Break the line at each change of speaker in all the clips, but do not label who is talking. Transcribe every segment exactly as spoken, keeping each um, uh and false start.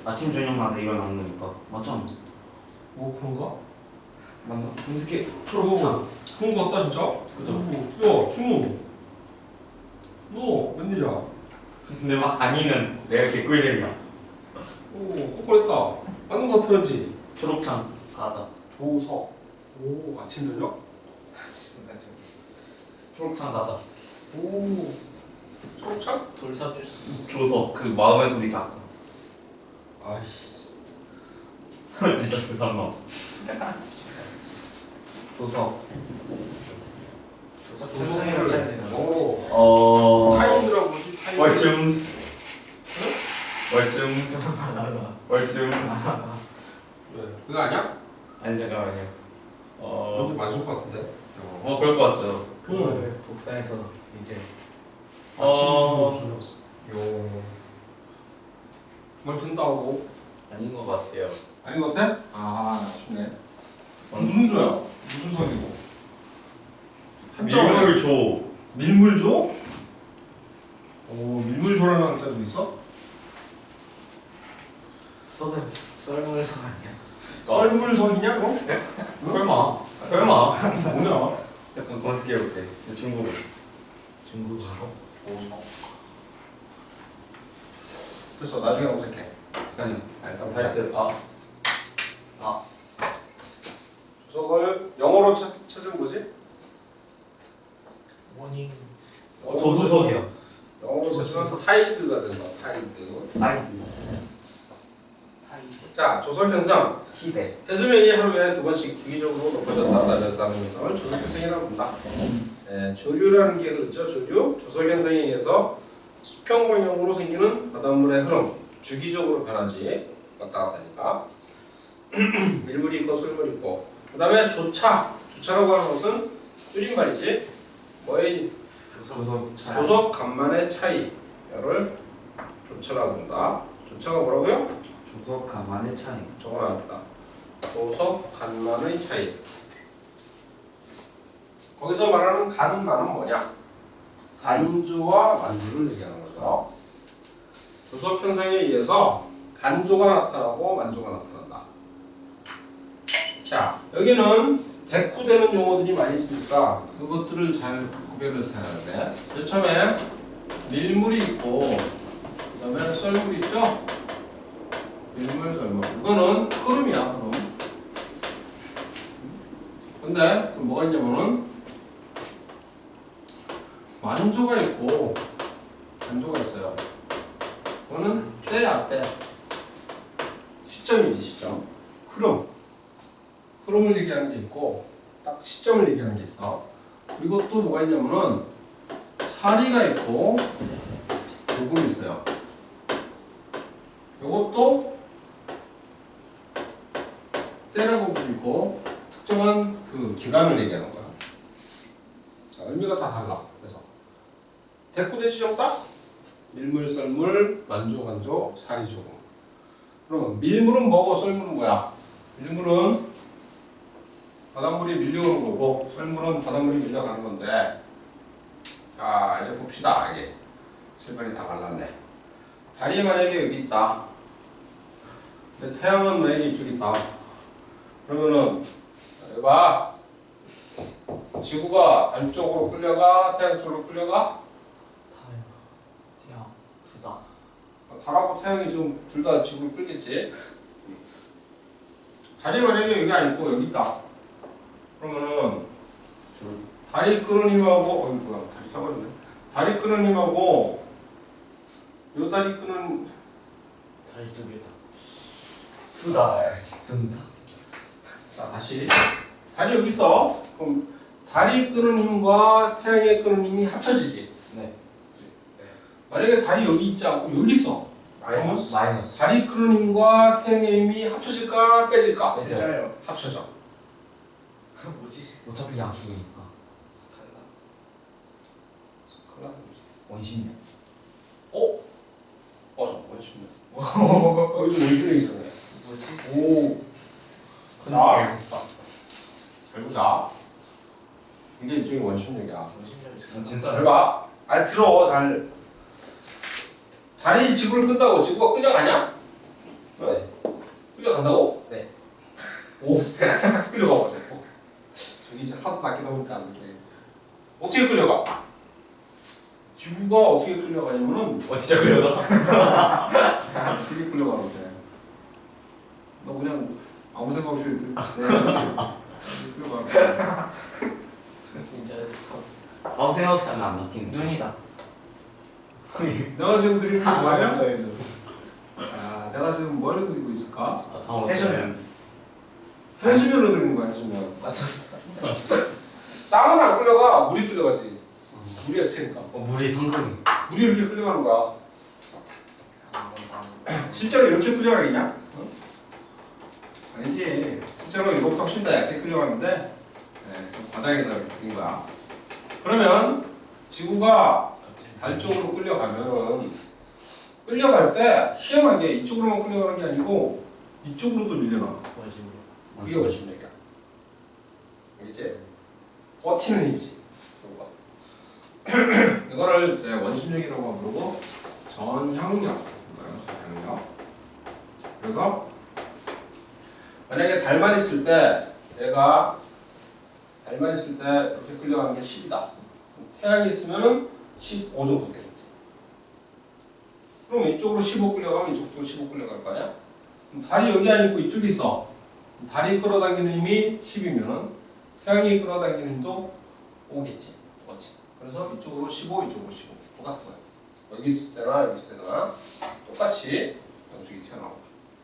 아침 저녁마다 일어나는 거니까 맞잖아.
뭐 그런가?
맞나? 검색해.
초록창. 그런 거 같다 진짜?
그죠?
야 준호 너 웬일이야?
근데 막 아니면 내가 개꿀잼이야.
오 똑바랬다. 맞는 거 같았지?
초록창 가자.
조석. 오 아침 저녁?
초록창 가자.
오 초록창?
돌사들
조석 그 마음의 소리 작가.
아이씨.
진짜 그 사람 나왔어. 조석.
조사 조사해를 짜야 되나?
오
어.
타임이라고 뭐지? 타임.
월중. 월중. 월중.
왜? 그거 아니야?
아니 잠깐만요. 어.
먼저 맞을 것 같은데?
어 그럴 것 같죠.
그거를 복사해서 이제
어.
요. 뭘 된다고?
아닌 것 같아요.
아닌 것 같아? 아 아쉽네. 무슨 조야? 무슨 석이고?
밀물 조.
밀물조? 오 밀물조라는 한자도 있어?
썰은 썰물석 아니야?
썰물석이냐 그럼?
설마. 설마.
뭐냐?
약간 검색해볼게. 중국어.
중국어로?
조석. 됐어 나중에 검색해. 잠깐요. 아, 일단 보자.
발스. 아. 아.
조석을 영어로 찾, 찾으면 뭐지?
모닝
조수석이요.
영어로 찾으면 타이드가 된다. 타이드.
아이.
타이드
자 조석 현상.
티베.
해수면이 하루에 두 번씩 주기적으로 높아졌다 낮아졌다는 것을 조석 현상이라고 합니다. 네, 조류라는 게 그렇죠. 조류, 조석 현상에 의해서 수평 방향으로 생기는 바닷물의 흐름, 주기적으로 변하지 왔다 갔다 하니까 밀물이 있고 썰물이 있고. 그 다음에 조차, 조차라고 하는 것은 줄임말이지. 뭐의
조석
조석 간만의 차이를 조차라고 한다. 조차가 뭐라고요?
조석 간만의 차이.
적어놨다. 조석 간만의 차이. 거기서 말하는 간만은 뭐냐? 간조와 만조를 얘기하는 거죠. 조석 현상에 의해서 간조가 나타나고 만조가 나타난다. 자, 여기는 대꾸되는 용어들이 많이 있으니까 그것들을 잘 구별해서 해야 돼. 제일 처음에 밀물이 있고 그 다음에 썰물이 있죠? 밀물, 썰물. 이거는 흐름이야, 흐름. 근데 또 뭐가 있냐면은 만조가 있고 간조가 있어요. 이거는 때야, 때. 시점이지, 시점. 흐름. 흐름을 얘기하는 게 있고 딱 시점을 얘기하는 게 있어. 그리고 또 뭐가 있냐면은 사리가 있고 요금이 있어요. 요것도 때라고 불리고 특정한 그 기간을 얘기하는 거야. 자, 의미가 다 달라. 그래서 대꾸대 지정 딱 밀물, 썰물, 만조, 간조, 사리, 조금. 그러면 밀물은 뭐고 썰물은 뭐야? 밀물은 바닷물이 밀려오는 거고 썰물은 바닷물이 밀려가는 건데. 자 이제 봅시다. 이게 실발이 다 갈랐네. 달이 만약에 여기 있다. 근데 태양은 만약에 이쪽에 있다. 그러면은 여기 봐. 지구가 안쪽으로 끌려가 태양 쪽으로 끌려가.
타임 태양 두다
달하고 태양이 지금 둘 다 지구를 끌겠지. 달이 만약에 여기 아니고 여기 있다. 그러면은 달이 끄는 힘하고 어이 뭐야 다리 사버렸네. 달이 끄는 힘하고 요 다리 끄는
다리 두 개다
두달. 둔다.
자 다시 달이 여기 있어. 그럼 달이 끄는 힘과 태양이 끄는 힘이 합쳐지지.
네
만약에 달이 여기 있지 않고 여기 있어.
마이너스
마이너스.
달이 끄는 힘과 태양의 힘이 합쳐질까 빼질까?
빼져요
합쳐져.
뭐지?
어차피 양수니까.
스칼라
스칼라
원심력.
어? 맞아 원심력. 어 이거 원심력이잖아요.
뭐지?
오. 자, 잘 보자. 이게 일종의 원심력이야.
원심력이
진짜.
잘 봐. 아 들어 잘. 달이 지구를 끈다고 지구가 끌려가냐? 어? 오 끌려가가지고 저기 이제 하도 낚이다 보니까 안 돼. 어떻게 끌려가? 지구가 어떻게 끌려가냐면은
어 진짜 그려다.
되게 끌려가는데 너 그냥 아무 생각 없이 이렇게 끌려가는 거야.
진짜였어.
아무 생각 없이 하면 안 바뀌는 거.
눈이다.
내가 지금 그리는 게 뭐예요?
저의 눈.
아, 내가 지금 뭘 그리고 있을까?
아, 다음
해수면.
해수면을 그리는 거야, 해수면.
맞았어.
땅은 안 끌려가, 물이 끌려가지. 물이 액체니까.
어, 물이 상승이.
물이 이렇게 끌려가는 거야. 실제로 이렇게 끌려가겠냐? 어? 아니지. 실제로 이거보다 훨씬 더 얇게 끌려가는데, 네, 좀 과장해서 이렇게 그린 거야. 그러면 지구가 달 쪽으로 끌려가면은 끌려갈 때 희한하게 이쪽으로만 끌려가는 게 아니고 이쪽으로도 밀려나.
원심으로.
그게 원심력이야. 알겠지? 버티는 힘이지. 저거가. 이거를 이제 원심력이라고 부르고 전향력. 전향력. 그래서 만약에 달만 있을 때 얘가 달만 있을 때 이렇게 끌려가는 게 십이다. 태양이 있으면은 십오 정도 되겠지. 그럼 이쪽으로 십오 끌려가면 이쪽도 십오 끌려갈 거 아니야? 그럼 달이 여기 아니고 이쪽에 있어. 달이 끌어당기는 힘이 십이면은 태양이 끌어당기는 힘도 오겠지. 똑같이. 그래서 이쪽으로 십오, 이쪽으로 십오. 똑같은 거야. 여기 있을 때나 여기 있을 때나 똑같이 양쪽이 튀어나오고.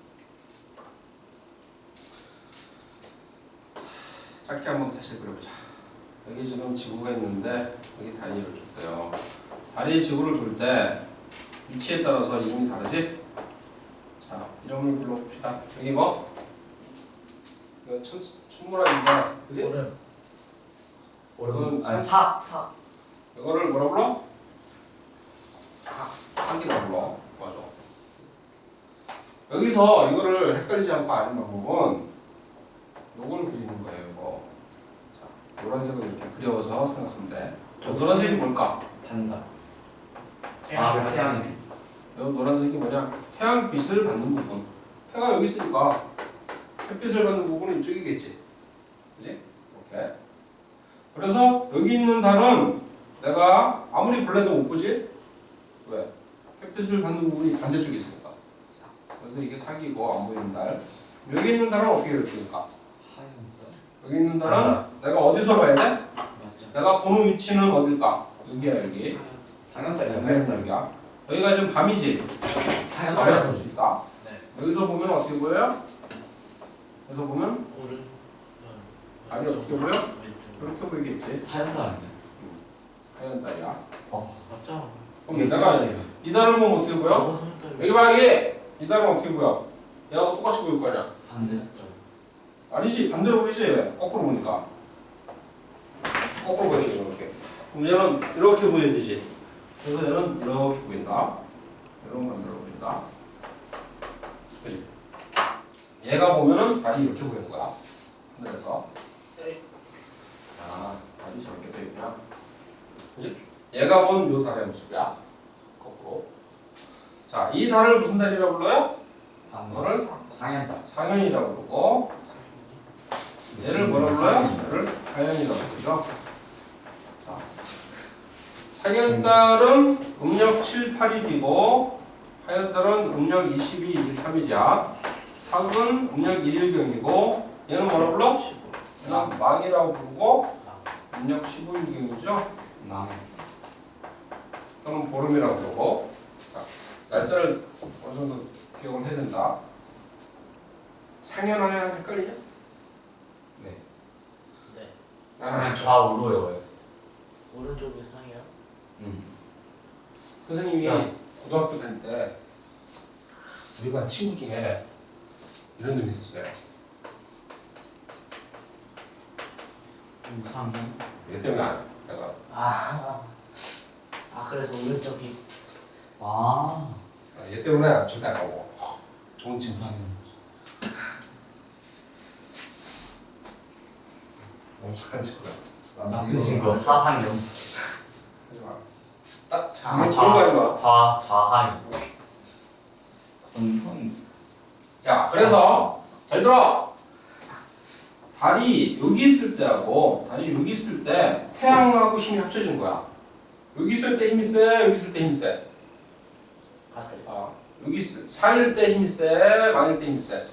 짧게 한번 다시 그려보자. 여기 지금 지구가 있는데 여기 달이 이렇게 있어요. 달이 지구를 돌 때 위치에 따라서 이름이 다르지? 자, 이름을 불러봅시다. 여기 뭐? 이건 천, 천문학인데, 그지?
오름.
이건
아니, 사. 사.
이거를 뭐라 불러? 산이라고 불러. 맞아. 여기서 이거를 헷갈리지 않고 아는 방법은 요걸 그리는 거예요, 이거. 자, 노란색을 이렇게 그려서 생각하면 돼. 저 노란색이 뭘까?
반다. 아, 그 태양이.
요 노란색이 뭐냐? 태양빛을 받는 부분. 해가 여기 있으니까 햇빛을 받는 부분은 이쪽이겠지. 그지? 이렇게. 그래서 여기 있는 달은 내가 아무리 볼래도 못 보지? 왜? 햇빛을 받는 부분이 반대쪽에 있으니까. 그래서 이게 사기고 안 보이는 달. 여기 있는 달은 어떻게 그릴까? 여기 있는 달은 내가 어디서 봐야 돼?
맞죠.
내가 보는 위치는 어딜까? 여기야 여기.
상현달이야.
하얀 달이야. 여기가 지금 밤이지? 하얀 볼수 있다.
네.
여기서 보면 어떻게 보여요? 여기서 보면
오른.
아니 어떻게 보여?
왼쪽.
이렇게 보이겠지.
하얀달이네.
하얀 달이야.
맞죠.
그럼 내가 이 달을 보면 어떻게 보여?
너무 성깔.
여기 봐 여기. 이 달은 어떻게 보여? 얘가 똑같이 보일 거 아니야?
상대.
아니지 반대로 보이지? 거꾸로 보니까. 거꾸로 보이지 이렇게. 그럼 얘는 이렇게 보여야 되지. 그래서 얘는 이렇게 보인다. 이런 반대로 보인다. 그지? 얘가 보면은 달이 이렇게 보이는 거야. 하늘에서. 아, 달이 저렇게 보이구나. 그지? 얘가 본 요 달의 모습이야. 거꾸로. 자, 이 달을 무슨 달이라고 불러요? 이거를
상현달.
상현이라고 부르고 얘를 뭐라고 불러요? 얘를 하현이라고 부르죠. 자, 상현달은 음력 칠, 팔 일이고 하현달은 음력 이십이, 이십삼 일이야. 삭은 음력 일 일경이고 얘는 뭐라고 불러? 얘는 망이라고 부르고 음력 십오 일경이죠.
망.
또는 보름이라고 부르고 자, 날짜를 어느 정도 기억을 해야 된다. 상현하냐 헷갈리냐?
네.
네.
그냥 좌우로 외워요.
오른쪽이 상이야.
음.
선생님이
야.
고등학교 다닐 때 우리 반 친구 중에 이런 놈이 있었어요.
우상현.
얘 때문에 안, 내가
아. 아 그래서 오른쪽이.
아.
얘 때문에 절대 안 가고 좋은 친구.
우상현.
너무 착한 친구야.
나쁜 친구. 하상현.
하지 마. 딱 자,
아,
그런 거 하지 마.
좌, 좌하현. 그럼 형이.
자, 그래서 잘 들어. 달이 여기 있을 때하고 달이 여기 있을 때 태양하고 힘이 합쳐진 거야. 여기 있을 때 힘이 세, 여기 있을 때 힘이 세.
같아요.
아, 여기 있을 사일 때 힘이 세, 만일 때 힘이 세.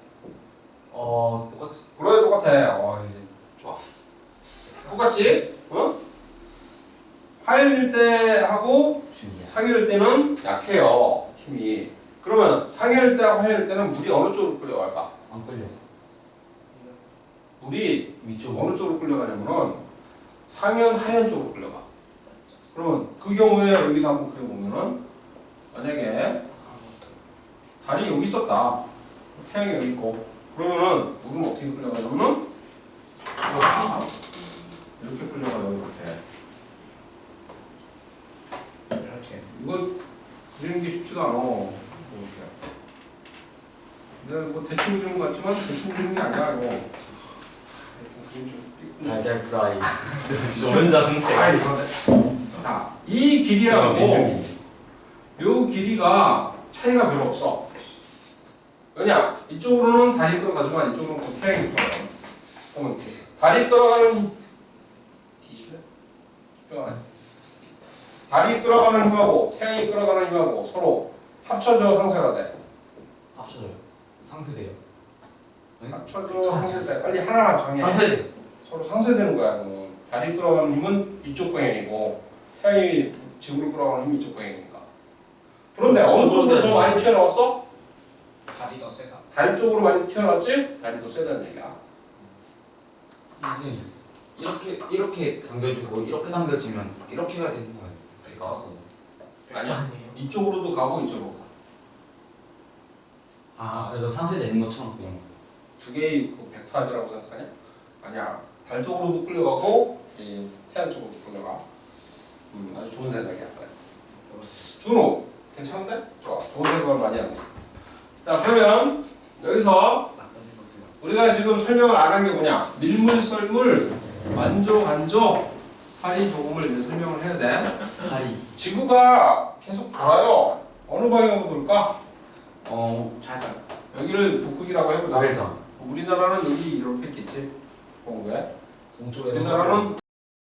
어 똑같.
그래 똑같아. 어, 이제 좋아. 똑같지? 어? 화요일 때 하고
중이야.
상요일 때는 약해요. 힘이. 그러면 상요일 때하고 화요일 때는 물이 어느 쪽으로 끌려갈까?
안 끌려.
물이
위쪽.
어느 쪽으로 끌려가냐면은 상현, 하현 쪽으로 끌려가. 그러면 그 경우에 여기서 한번 그려보면은 만약에 달이 여기 있었다. 태양이 여기 있고. 그러면은 물은 어떻게 끌려가냐면은 이렇게, 이렇게 끌려가요. 이렇게. 이렇게. 이거 그리는 게 쉽지가 않아. 이렇게. 내가 뭐 대충 그리는 것 같지만 대충 그리는 게 아니야 이거. 그림 좀 삐끗.
달걀 프라이. 노른자 생색.
아이, 자, 이 길이하고 요 길이가 차이가 별로 없어. 왜냐? 이쪽으로는 달이 끌어가지만 이쪽으로는 그 태양이 끌어가요. 그러면 달이 끌어가는 뒤질래? 집중하네. 달이 끌어가는 힘하고 태양이 끌어가는 힘하고 서로 합쳐져 상쇄가 돼.
합쳐져요. 상쇄돼요.
합쳐져 상쇄돼. 빨리 하나만 정해.
상쇄돼.
서로 상쇄되는 거야. 그건. 달이 끌어가는 힘은 이쪽 방향이고 태양이 지구를 끌어가는 힘이 이쪽 방향이니까. 그런데 어느 쪽으로 더 많이 튀어나왔어?
달이 더 세다.
달 쪽으로 많이 튀어나왔지? 달이 더 세다는 얘기야.
선생님 이렇게 이렇게 당겨주고 이렇게 당겨지면 이렇게 해야 되는 거예요. 나왔어.
아니야.
아니에요.
이쪽으로도 가고 이쪽으로 가.
아 그래서 상쇄되는 것처럼 그냥.
두 개의 그 벡터이라고 생각하냐? 아니야. 달 쪽으로도 끌려가고 이 태양 쪽으로도 끌려가. 음, 아주 좋은 생각이야. 그래. 준호 괜찮은데? 좋아. 좋은 생각을 많이 하고. 자 그러면 여기서 우리가 지금 설명을 안 한 게 뭐냐? 밀물, 썰물, 만조, 간조, 사리, 조금을 이제 설명을 해야 돼.
다리.
지구가 계속 돌아요. 어느 방향으로 돌까?
어
잘 가요.
여기를 북극이라고 해보자.
우회전.
우리나라는 여기 이렇게 있겠지. 동구에.
동쪽에서
우리나라는